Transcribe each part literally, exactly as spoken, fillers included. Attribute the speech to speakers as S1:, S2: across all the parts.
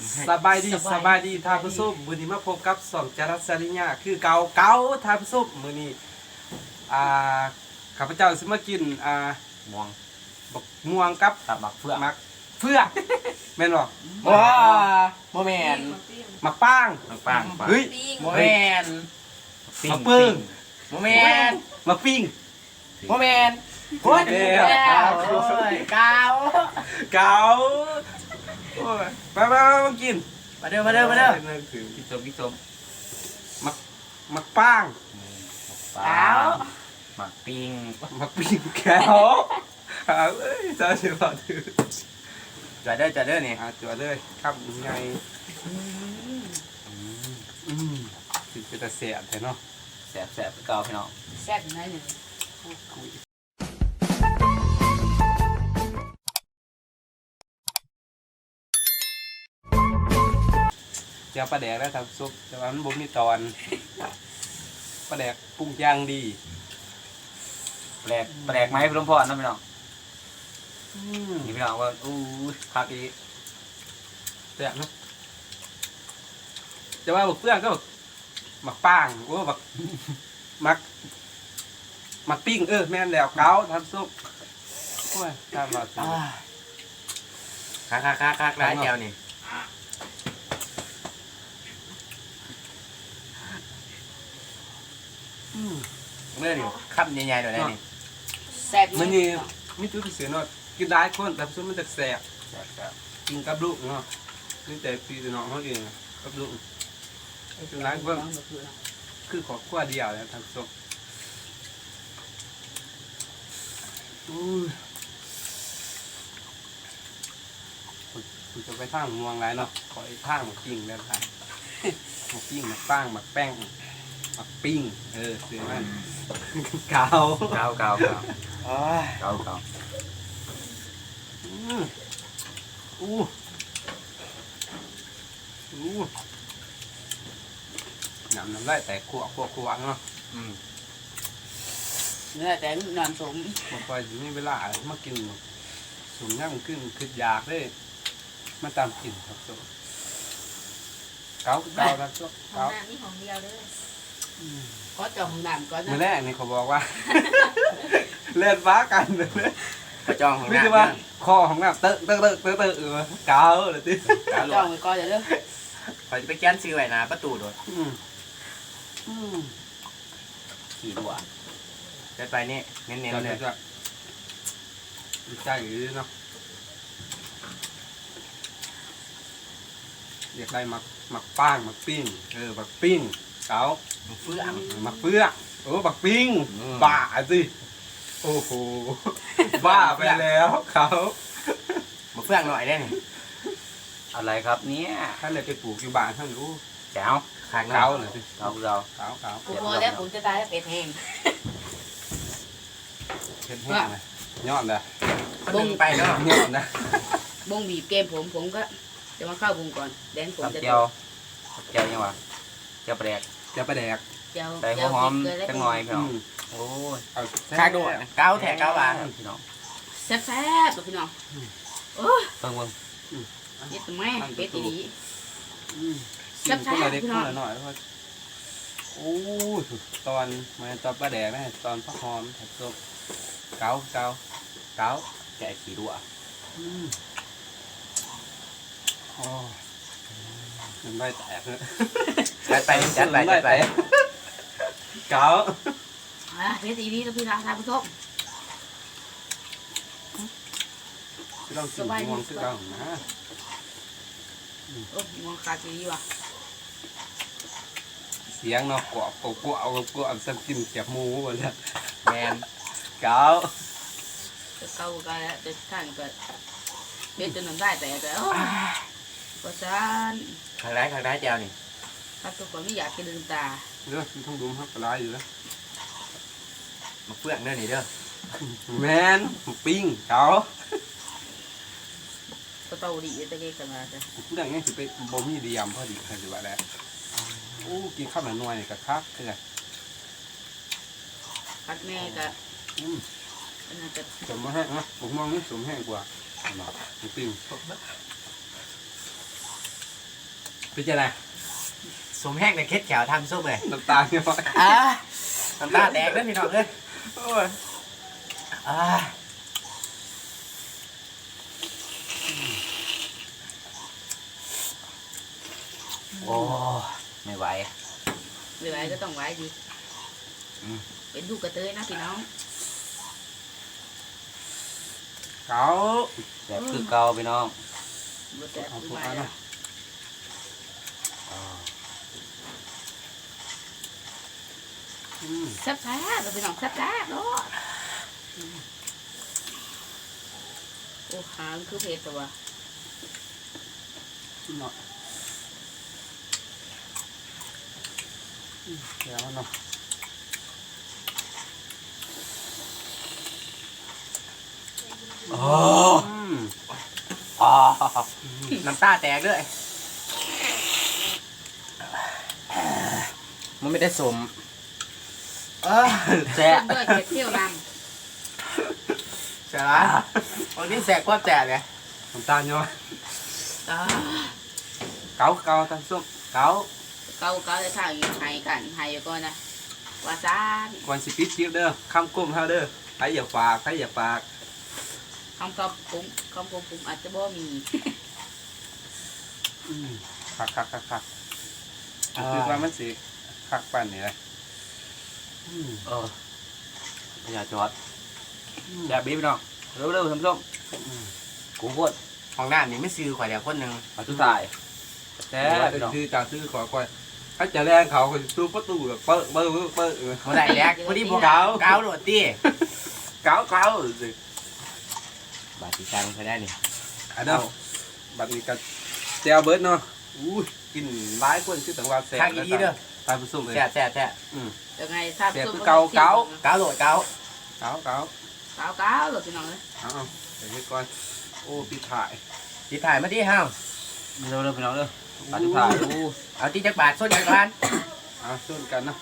S1: สบายดีสบายดีท่านผู้ชมมื้อนี้มาพบกับสองจรัสสริญญาคือเก่าเก่าท่านผู้ชมมื้อนี้อ่าข้าพเจ้าสิมากินอ่า
S2: ม่วง
S1: บักม่วงกับ
S2: ตับหมักเฟือก
S1: มักเฟือกแม่นบ่
S2: ว้าโมเมน
S1: มักป้าง
S2: มักปัง
S1: เฮ้ย
S2: โมเมน
S1: มักปึ้ง
S2: โมเมน
S1: มักปิ้ง
S2: โมเมนพุดแล้วโอ้ยกาว
S1: เก่าโอ้ยไปๆมากิน
S2: มาเด้อมาเด้อมาเด้อ
S1: คือ
S2: พี่สมพี่สม
S1: มักมักป้าง
S2: กาวหมักปิง
S1: มักปิ้งแก้วเอาเอ้ยจะสิบ่ถือ
S2: จอดเด้อจอดเด้อนี่
S1: อาจัวเลยครับยังไงอืมสิเป็นตาเสียบแต่เนาะ
S2: แสบแสบเก่าพี่น้อง
S3: แซ่บอยู่ไหนเนี่ย
S1: เจ้าปลาแดกแล้วทำซุปแต่ว่ามันบ่มีตอนปลาแดกปรุงย่างดี
S2: แปลกแปลกไหมพี่ลมพรนะพี่น้อง
S1: อืม
S2: นี่พี่น้องว่าอู้คักอี
S1: แซ่บเนาะแต่ว่าบักเปลือกก็บักหมักป้างโอ้บักมักหมักปิ้งเออแม่นแล้วเกาทำซุปโอ้ยทำมาสิ
S2: คักคักคักคักร้ายแก้วนี่
S1: อืม
S2: เมื่อนี่คำใหญ่ๆหน่อยได้นี่
S3: แซ่บ
S1: มันนี่มีจุดพิเศษเนาะกินได้คนแต่ซุปมันจะแซ่บ
S2: แสบแสบ
S1: กินกับลูกเนาะนี่แต่พี่น้องเขาเองกับลูกจุดร้ายก็คือขอขั้วเดียวแล้วทำซุปอู้ยคุณจะไปทางม่วงไรเนาะขอไอ้ทางหมักปิ้งแล้วครับหมักปิ้งหมักป้างหมักแป้งหมักปิ้งเออซื้อมันเกา
S2: เก่าเก่าเก่า
S1: อ๋อ
S2: เก่าเก่า
S1: อืมอู้อู้น้ำน้ำได้แต่ขวบขวบขวบเนาะ
S2: อืม
S3: เนื้อแต่นอนสม
S1: บางคนมีเวลามากินสุ่มย่างขึ้นคืออยากได้มาตามกินครับซุปเกาเกาครับซุป
S4: ขอ
S1: เกาง
S4: น้ำนี่ของเดียวเด้อ
S3: ขอจองน้ำก่อน
S1: มื่อ
S3: นะ
S1: แรกนี่เขาบอกว่า เล่นฟ้ากันเลย
S2: กระจองของ
S1: ไม่
S2: น้ำ
S1: ใช่ว่าคอของน้ำเตอะเตอะเตอะเตอะเตอะเออเกาเลยติ
S2: กาวหล
S3: จ
S2: ว
S3: อง
S2: ง
S3: ไว้ก่อนเดี๋ยวเด้อ
S2: ขอจะไปแก้นซื้อไว้นะประตูโดด
S1: อืมอืม
S2: ขี่ดัวเดินไปนี่เน้น
S1: เดี๋
S2: ๆ
S1: ยว
S2: เล
S1: เดี๋ย
S2: ยว
S1: จะใจอยู่เนาะเรียกได้หมักหมักป้างหมักปิ้งเออหมักปิ้งเกา
S2: เฟื่อง
S1: หมักเฟือกโอ้หมักปิ้ง
S2: อืม
S1: บ้าสิโอ้โหบ้าไปแล้วเขา
S2: มาเฟื่องหน่อยได้นี่อะไรครับเนี่ย
S1: ท่านเลยไปปลูกอยู่บ้านท่านรู้
S2: แจ๋วขาง
S1: เกาเลยสิ
S2: เราเรา
S1: เกาเกา
S3: กูพอแล้วผมจะตายแล้วเป็ดแห้ง
S1: เห็นแห้งเลยยอดเลย
S2: บงไปเนาะ
S1: ยอดนะ
S3: บงบีบเกมผมผมก็จะมาเข้าวงก่อนแดนผม
S2: ตับ
S3: จะ
S2: เจียวตับเจียวยังวะเจียวแปลก
S1: จะไปแดก
S3: เจียว
S2: ใส่หัวหอมจังหน่อยพี่
S1: อื
S2: น้อง
S1: ม
S2: โอ้ย
S1: เอา
S2: ข้างโดดเก้าแถกเก้าบาทพี่น้อง
S3: แซ่บแซ่บๆตัวพี่น้องโอ้ย
S2: เบิ่งเบิ่ง
S3: เย็ดแม่เป็ดอีดี
S1: อืม
S3: แซ่บๆ
S1: คนละเล็ก
S3: พี่
S1: ค
S3: น้อง
S1: นละหน่อยแล้วก็โอ้ยตอนมาตอนปลาแดกนะตอนพักหอมผัดซุปเกาเกาเกา
S2: แกะขี่ดัว
S1: อืมโอ้ยมันไม่แตกเลย
S2: จัดไปจัดไปจัดไป
S1: เกา
S3: อ่ะเป็ดอีดีตัวพี่น้องท่านผู้ชม
S1: ที่ต้องกินม่วงคือเกานะ
S3: โอ้ยมองขาดอีดีว่ะ
S1: เสียงเนาะกวบกวบกวบเอากวบสักกินเก็บหมูหมดเลย
S2: แมน
S1: เกา
S3: จะเกากันแล้วจะท่านก็เป็ดจนน้ำได้แต่แต่โอ้ยประสาน
S2: ข้างได้ข้างได้เจียวนี่
S3: ถ้าทุกคนไม่อยากกินลืมตา
S1: เด้อมันต้องดูครับปลาอยู่แล้ว
S2: มาเฟื่องเด้อนี่เด้อ
S1: แมนปิ้งเกา
S3: ก็เตาดีตะเกียกันมาจ้ะ
S1: พูดอย่างนี้คือเป็นบะหมี่เดียมพอดีคือสิว่าแล้วโอ้กินข้าวหน่อยๆนี่ก็คักคือไง
S3: พักแม่ก็
S1: อืม
S3: อันนั้นจะ
S1: สมมาแห้งนะผมมองนี่สมแห้งกว่าหมูปิ้งเป็นจะไง
S2: สมแห้งในเคสแขวทำส้มเลย
S1: น้ำตาลเนี่ย
S2: อ่ะน้ำตาแดงเด้อพี่น้องเด้อ
S1: โอ้ย
S2: อ่าโอ้ไม่ไหว
S3: หรือไว้ก็ต้องไว้ดิ
S2: อืม
S3: เป็นลูกกระเตยนะพี่น้อง
S1: เก๋า
S2: แบบคือเก่าพี่น้อง
S3: บ่แต่
S1: เอา
S3: คือ
S1: พวก
S3: ไว้
S1: นั้น
S3: แล้
S1: นะ
S3: ว
S1: อืม
S3: แซ่บแซ่บพี่น้องแซ่บแซ่บเนาะโอ้หางคือเผ็ดแต่ว่า
S1: เนาะอืมเดี๋ยวเนาะ
S2: โอ้
S1: อืม
S2: อ๋อน้ำตาแตกด้วยมันไม่ได้สมเออแส
S3: เพิ่
S2: บ
S3: มด้วยเผ็ดเที่ยวน
S2: แสบละวันนี้แสบก็แสบไง
S1: น้ำตาลเนาะ
S3: ำอ่า
S1: เก๋าเก๋าตามส้ม
S2: เก่า
S3: เกาเกาจะทางไห้กันไห้อยู่ก่อนนะว่าซาบ
S1: ก่อนสิปิดคลิปเด้อคำก้มเฮาเด้อใครอย่าฝากใครอย่าฝาก
S3: คำกบปุ่มคำกบปุ่มอาจจะบ่มี
S1: อืมคักคักคักคักคือว่ามันสิคักปั่นนี่แหละอืม
S2: เอออย่าจอดอย่าบีบน้องเร็วเร็วทำส้ม
S1: อืม
S2: กูพูดห้องน้ำนี่ไม่ซื้อข่อยเดียวคนหนึ่งมาทุกทาย
S1: แต่ซื้อจากซื้อขอก่อนถ้าจะแรงเขาก็ซื้อประตูแบบเปิดเปิดเปิดเปิดเออ
S2: เมื่อไหร่แรกพอดีพวกเก่าเก่าโดดตี้
S1: เก๋าเก๋าสิ
S2: บาดสีชังใช้ได้นี่
S1: อันนั้นบัดนี้ก็แจวเบิร์ดเนาะอู้ยกินหลายคนคือต่างว่าแซ่บ
S2: ทางอีดีเด้อ
S1: ตายผู้ส้มเลย
S2: แซ่บแซ่บแซ่บ
S1: อืม
S3: ยังไงทราบ
S1: เสียบ
S3: ส้ม
S1: คือเกาเกา
S2: เก่าโดดเก่า
S1: เก๋าเก๋า
S3: เกาเกาหลดพี่น้องเลย
S1: เอาเอาเดี๋ยวให้ก่อนโอ้ปีถ่าย
S2: ตีถ่ายมาที่ห้าว
S1: เร็วเร็วไปน้องเร็วปฏิถ่ายอู้
S2: เอาตีจักรบาทส้นจักรบาท
S1: เอาส้นกันนะ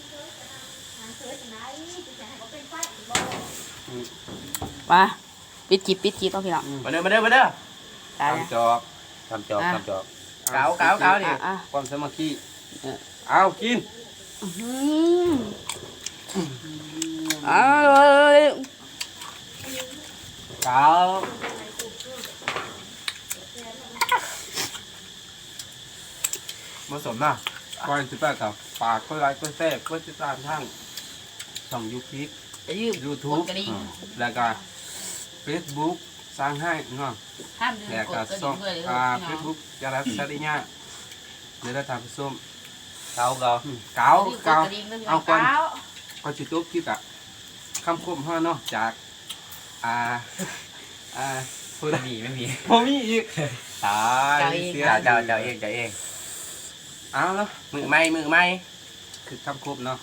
S3: มาปิดจีบปิดจีบเอาพี่น้อง
S2: มาเด้อมาเด้อมาเด้อ
S3: ตายแล้ว
S1: ทำจอบ
S2: ทำจอบทำจอบ
S1: อ
S2: เก๋าเก๋าเก๋าดิ
S3: อ่ะอ่ะ
S1: ความสามัคคีเอากิน
S3: อื้อหือเอาเลย
S2: เก๋าผสมน่ะ
S1: ก่อนสิแปดต่อฝากก็ไลค์ก็แซ่บก็ติดตามทางช่องยูทูบ
S3: จะยืม
S1: ยูทู
S3: ก
S1: บ
S3: ดกระดิ่ง
S1: แล้วก็เฟซบุ๊กสร้างให้เนาะ
S3: ห้ามลืม
S1: แล้ว
S3: ก
S1: ก็
S3: ดกระ
S1: ช่
S3: ดิ่
S1: อง
S3: งด้วยเลย
S1: อ่า
S3: พี่
S1: เฟ
S3: น้อง
S1: ซบุ๊กยาลับซาดิญาเดี๋ยวเราทำผู้ส้ม
S2: เก๋าเก๋า
S1: อืมเก๋า
S3: ลืมกด
S1: เก๋าก
S3: ระดิ่งด้วยพี่น้
S1: เอา
S3: อง
S1: ก่อน
S3: เก้า
S1: ก่อนจิตุบคิดอะคำคมห้าเนาะจากอ่าอ่าพูด
S2: ไม่มีไม่มี
S1: พอมีอีกตายเสีย
S2: เจ้าเจ้าเจ้าเองเจ้าเอง
S1: เอาแล้ว
S2: มือไม่มือไม่
S1: คือคำคมเนาะ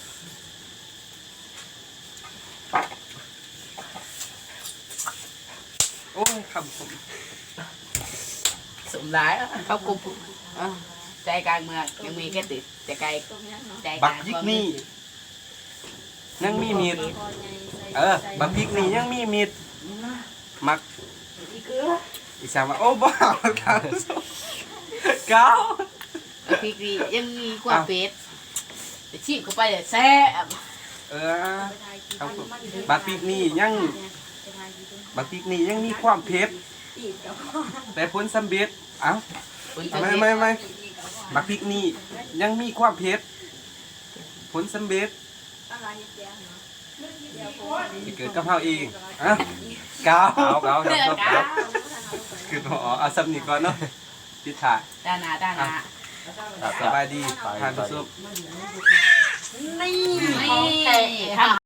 S1: โอ้ยคำคม
S2: สมร้าย
S3: เขากลุ่มอ่ะใจกลางเมืองยังมีแค่ติดแต่ไกลใจก
S1: บั
S3: ลาก ง
S1: ยิกนี่ยังมีมีดเออบักพริกนี่ยังมีมีดมักอีสานว่าโอ้บ้าครับเก้า
S3: พริกดียังมีความเผ็ดแต่ชีพเข้าไปเลยแซ่บ
S1: เออครับผมบักพริกนี่ยังบักพริกนี่ยังมีความเผ็ดแต่ผลสำเร็จเอ้า
S3: คุณ
S1: ไม่ไม่ไม่บักพริกนี่ยังมีความเผ็ดผลสำเร็จที่เกิดกับเฮาเองอ่ะเก้าเก้าเก้า
S3: เนื้อ
S1: ครับ
S3: กา
S1: คือพอเอาสำนีก่อนเนาะพิธา
S3: ด้านหน้าด้านหน้า
S1: สบายดีทานผู้ชม
S3: นี่ของแท้